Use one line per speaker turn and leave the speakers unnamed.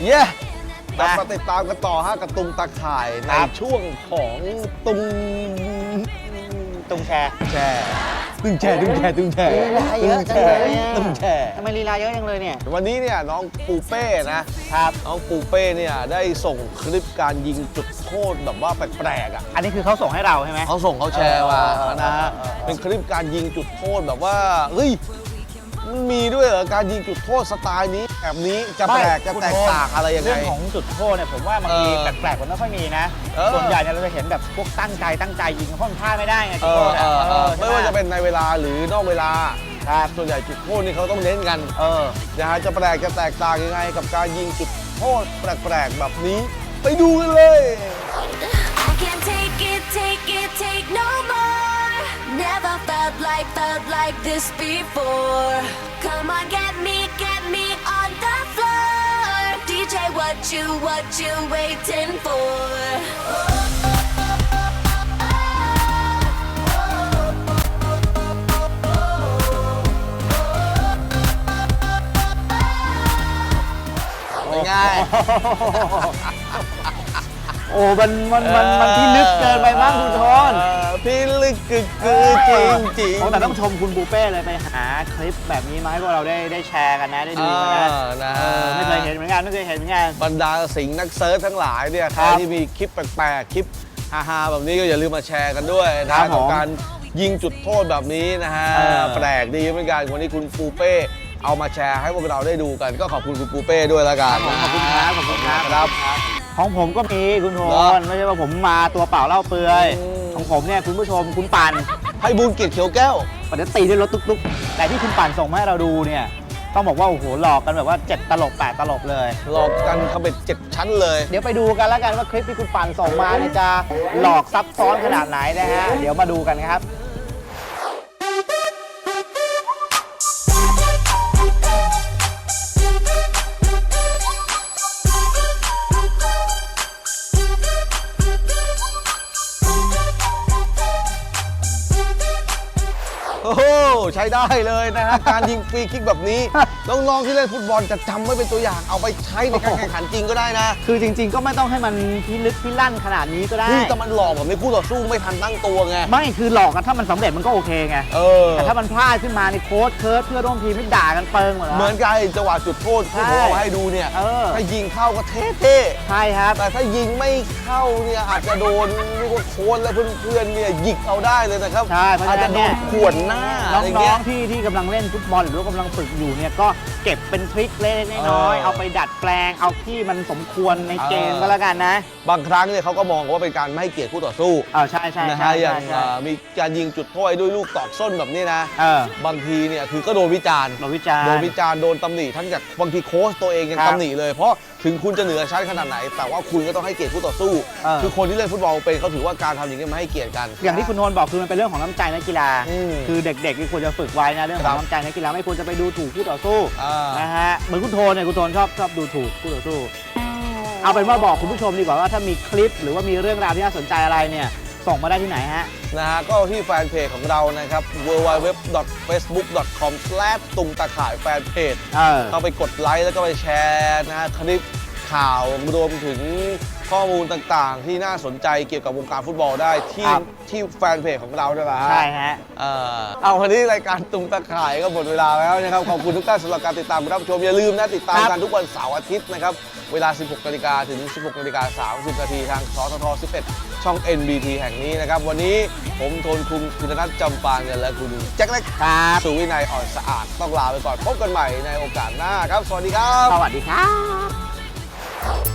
เย้มาติดตามกันต่อฮะกับตุงตะข่ายในช่วงของตุง
แชร์
ตึงแชร์ลีลา
เยอะจังเลย
ตึงแชร์
ทำไมลีลาเยอะจังเลยเนี่ย
วันนี้เนี่ยน้องปูเป้นะครับน้องปูเป้เนี่ยได้ส่งคลิปการยิงจุดโทษแบบว่าแปลกๆอ่ะ
อันนี้คือเขาส่งให้เราใช่ไหม
เขาแชร์มานะฮะเป็นคลิปการยิงจุดโทษแบบว่าเฮ้ยมันมีด้วยเหรอการยิงจุดโทษสไตล์นี้แบบนี้จะแปลกจะแตกต่างอะไรยังไง
เรื่องของจุดโทษเนี่ยผมว่าบางทีแปลกๆมันไม่ค่อยมีนะส่วนใหญ่เนี่ยเราจะเห็นแบบพวกตั้งใจยิงเพราะมันพลาดไม่ได้ไงจุดโทษ
ไม่ว่าจะเป็นในเวลาหรือนอกเวลาส่วนใหญ่จุดโทษนี่เขาต้องเน้นกันนะฮะจะแปลกจะแตกต่างยังไงกับการยิงจุดโทษแปลกๆแบบนี้ไปดูกันเลย
Never felt like this before. Come on, get me on the floor. DJ, what you waiting for?
เป็นไง
โอ้มันที่ลึกเกินไปบ้างคุณทน
พี่ลึกคือจริง
แต่ต้องชมคุณปูเป้เลยไปหาคลิปแบบนี้มาให้พวกเราได้แชร์กันนะได้ดูกันนะไม่เคยเห็นเหมือนกัน
บรรดาสิงห์นักเซิร์ชทั้งหลายเนี่ยใครที่มีคลิปแปลกๆคลิปฮาๆแบบนี้ก็อย่าลืมมาแชร์กันด้วยนะกับการยิงจุดโทษแบบนี้นะฮะแปลกดีเหมือนกันวันนี้คุณปูเป้เอามาแชร์ให้พวกเราได้ดูกันก็ขอบคุณคุณปูเป้ด้วยละกัน
ขอบคุณครับของผมก็มีคุณโทนไม่ใช่ว่าผมมาตัวเปล่าเล่าเปลือยของผมเนี่ยคุณผู้ชมคุณปั่น
ให้บุญเกียรติเขียวแก้ว
ปกติด้วยรถตุ๊กๆแต่ที่คุณปั่นส่งมาให้เราดูเนี่ยต้องบอกว่าโอ้โหหลอกกันแบบว่า7ตลบ8ตลบเลย
หลอกกันเขาเป็น7ชั้นเลย
เดี๋ยวไปดูกันแล้วกันว่าคลิปที่คุณปั่นส่งมาเนี่ยจะหลอกซับซ้อนขนาดไหนนะฮะเดี๋ยวมาดูกันครับ
โอ้โหใช้ได้เลยนะฮะการยิงฟรีคิกแบบนี้น้องๆที่เล่นฟุตบอลจะจำไว้เป็นตัวอย่างเอาไปใช้ในการแข่งขันจริงก็ได้นะ
คือจริงๆก็ไม่ต้องให้มันพิลึกพิลั่นขนาดนี้ก็ได้
แต่มันหลอกแบบนี้คู่ต่อสู้ไม่ทันตั้งตัวไง
ไม่คือหลอกกันถ้ามันสำเร็จมันก็โอเคไงแต่ถ้ามันพลาดขึ้นมาในโค้ชเคิร์ดเพื่อร่วมทีมไม่ด่ากันเปิงหมด
เหมือนกันจังหวะจุดโทษที่ผมเอาให้ดูเนี่ยถ้ายิงเข้าก็เท่
ๆใช่ครับ
แต่ถ้ายิงไม่เข้าเนี่ยอาจจะโดนเรียกว่าโค้ชและเพื่อนๆเนี่ยหยิกเอาได้เลยนะครับ
ใช่เพราะฉะนั้นเนี่ย
ข่วนหน้า
น้องๆที่กำลังเล่นฟุตบอลหรือว่ากำลังฝึกอยู่เนี่ยก็เก็บเป็นทริคเล็กๆน้อยๆเอาไปดัดแปลงเอาที่มันสมควรในเกมก็แล้วกันนะ
บางครั้งเนี่ยเขาก็มองว่าเป็นการไม่ให้เกียรติคู่ต่อสู้
ใช่
นะฮะอย่างมีการยิงจุดโทษด้วยลูกตอกส้นแบบนี้นะบางทีเนี่ยคือก็โดนวิจารณ์โดนตำหนิทั้งจากบางทีโค้ชตัวเองยังตำหนิเลยเพราะถึงคุณจะเหนือชั้นขนาดไหนแต่ว่าคุณก็ต้องให้เกียรติคู่ต่อสู้คือคนที่เล่นฟุตบอลเป็นเขาถือว่าการทำอย่างนี้ไม่ให้เกียรติกัน
อย่างที่คุณโนนบอกคือมันเป็นเรื่องของน้ำใจนักกีฬาคือเด็กๆที่ควรจะฝึกไว้นะเรื่องของน้ำใจนักกีฬาไม่ควรจะไปดูถูกคู่ต่อสู้นะฮะเหมือนคุณโทนเนี่ยคุณโทนชอบดูถูกคู่ต่อสู้เอาเป็นว่าบอกคุณผู้ชมดีกว่าว่าถ้ามีคลิปหรือว่ามีเรื่องราวที่น่าสนใจอะไรเนี่ยส่งมาได้ที่ไหนฮะ
นะฮะก็ที่แฟนเพจของเรานะครับ www.facebook.com/ ตุงตะข่ายแฟนเพจเข้าไปกดไลค์แล้วก็ไปแชร์นะฮะคลิปข่าวรวมถึงข้อมูลต่างๆที่น่าสนใจเกี่ยวกับวงการฟุตบอลได้ที่แฟนเพจของเราด้วยนะ
ใช่ฮะ
เอาวันนี้รายการตุงตะข่ายก็หมดเวลาแล้วนะครับขอบคุณทุกท่านสำหรับการติดตามรับชมอย่าลืมนะติดตามกันทุกวันเสาร์อาทิตย์นะครับเวลา 16:00 นถึง 16:30 นทางสทท 11 ช่อง NBT แห่งนี้นะครับวันนี้ผมโทนคุณพิธนัทจำปาเงินและคุณแจ็คเล็กสุวินัยอ่อนสะอาดต้องลาไปก่อนพบกันใหม่ในโอกาสหน้าครับสวัสดีครับ
สวัสดีครับ